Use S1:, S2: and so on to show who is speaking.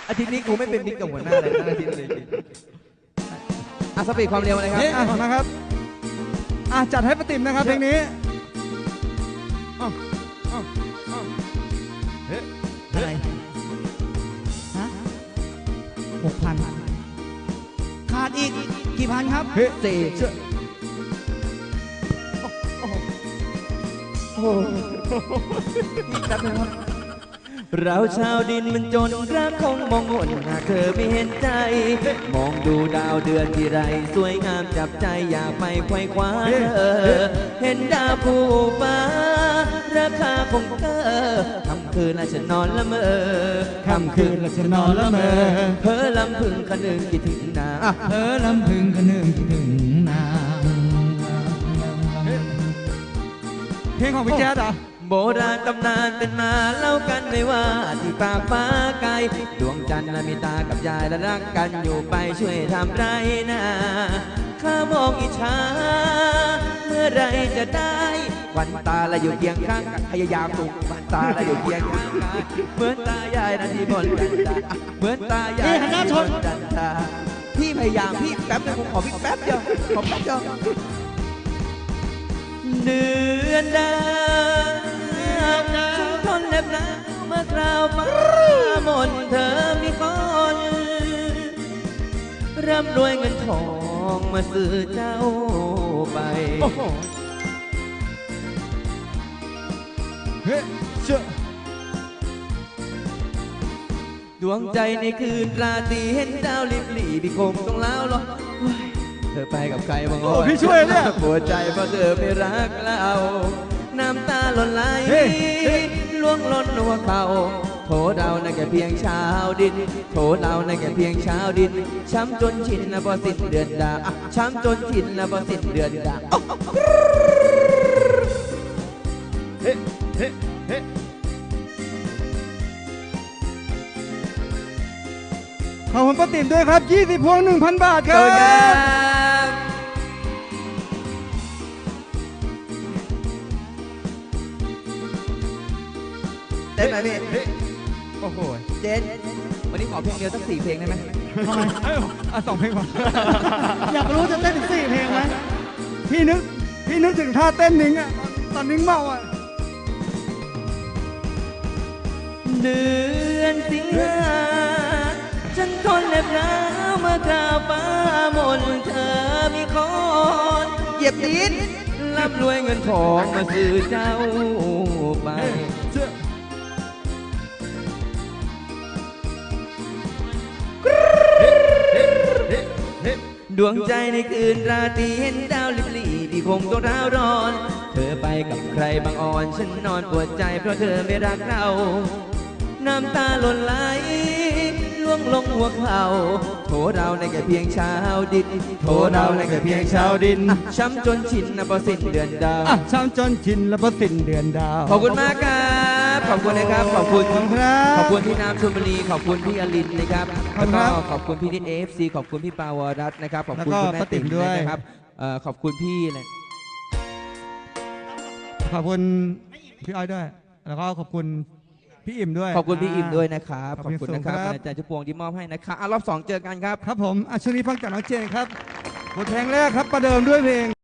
S1: อาทิตย์นี้กูไม่เป็นมิกกับหัวหน้าเลยทั้งอาทิตย์เลยสปีดความเร็วเลยครับ
S2: นะครับจัดให้ป้าติ๋มนะครับเพลงนี้อะไรฮะ6,000ขาดอีกกี่พันครับ
S1: สี่เราชาวดินมันจนรักคงมองหนหากเธอไม่เห็นใจมองดูดาวเดือนที่ไรสวยงามจับใจอยากไปไขว่คว้าเห็นดาวผู้ฟ้าราคาคงเธอค่ำคืนและฉันนอนละเมอค่ำคืนและฉันนอนละเมอเพ้อลำพึงคะนึงคิดถึงนา
S2: เพ้อลำพึงคะนึงคิดถึงนาเพลงของพี่แจ๊ดอ่ะ
S1: โบราณตำนานเป็นมาเล่ากันไม่ว่าที่ปากฟ้าไกลดวงจันทร์มีตากับยายและรักกันอยู่ไปช่วยทำไรนะข้ามองอิจฉาเมื่อไรจะได้วันตาและอยู่เคียงข้างกันพยายามตุกวันตาและอยู่เคียงข้างกันเหมือนตายายนาทีบนกันตาเหมือนตายายนาทีบนกันตาพี่พยายามพี่แป๊บนึงผมขอพี่แป๊บเดียวขอแป๊บเดียวเดือนดาวทนเล็บหนาวเมื่อคราวฟ้ามนเธอมีคนร่ำรวยเงินทองมาซื้อเจ้าไปดวงใจในคืนราตรีเห็นดาวลิบหลีพี่คงต้องเล่าหรอเธอไปกับใครบ้าง
S2: โอ้พี่ช่วยเนี่ย
S1: ปวดใจเพราะเธอไม่รักเราน้ำตาหล่นไหลล่วงล้นหัวเขาโถเรานั่นแค่เพียงชาวดินโถเรานั่นแค่เพียงชาวดินช้ำจนชินนะพอสิ้นเดือนดาช้ำจนชินนะพอสิ้นเดือนดาเฮ้เฮ้เฮ้
S2: ขอบคุณป้าติ๋มด้วยครับ20 พวง 1,000 บาทครับ
S1: เต้นไหมพี่โอ้โหเจนวันนี้ขอเพลงเดียวสัก4 เพลงได้ไหม
S2: ทำไม2 เพลงก่อนอยากรู้จะเต้นถึง4 เพลงไหมพี่นึกถึงท่าเต้นนิ้งอ่ะตอนนิ้งเมาอ่ะ
S1: เดือนสิงหาฉันทนเล็บหนาวเมื่อคราวฟ้ามนเธอมีคนเหยียบดินร่ำรวยเงินทองมาซื้อเจ้าไปดวงใจในคืนราตรีเห็นดาวลิบหลีที่คงต้องร้าวร้อนเธอไปกับใครบางอ่อนฉันนอนปวดใจเพราะเธอไม่รักเราน้ำตาหล่นไหลล่วงลงหัวเข่าโถเราในแค่เพียงชาวดินโถเราในแค่เพียงชาวดินช้ำจนชินนะพอสิ้นเดือนดาว
S2: ช้ำจนชินแล้วพอสิ้นเดือนดาว
S1: ขอบคุณมากครับขอบคุณนะครับขอบคุณ
S2: ครับ
S1: ขอบคุณพี่น้ำชลบุรีขอบคุณพี่อลินนะครับแล้วก็ขอบคุณพี่นิดAFCขอบคุณพี่ปาวรัตน์นะครับขอบคุณคุณแม่ติ๋มด้วยนะครับขอบคุณพี่เลย
S2: ขอบคุณพี่อ้อยด้วยแล้วก็ขอบคุณพี่อิ่มด้วย
S1: ขอบคุณพี่อิ่มด้วยนะครับขอบคุณนะครับอาจารย์ชุพวงที่มอบให้นะครับรอบ 2เจอกันครับ
S2: ครับผมช่วงนี้ฟังจากน้องเจนครับบทเพลงแรกครับประเดิมด้วยเพลง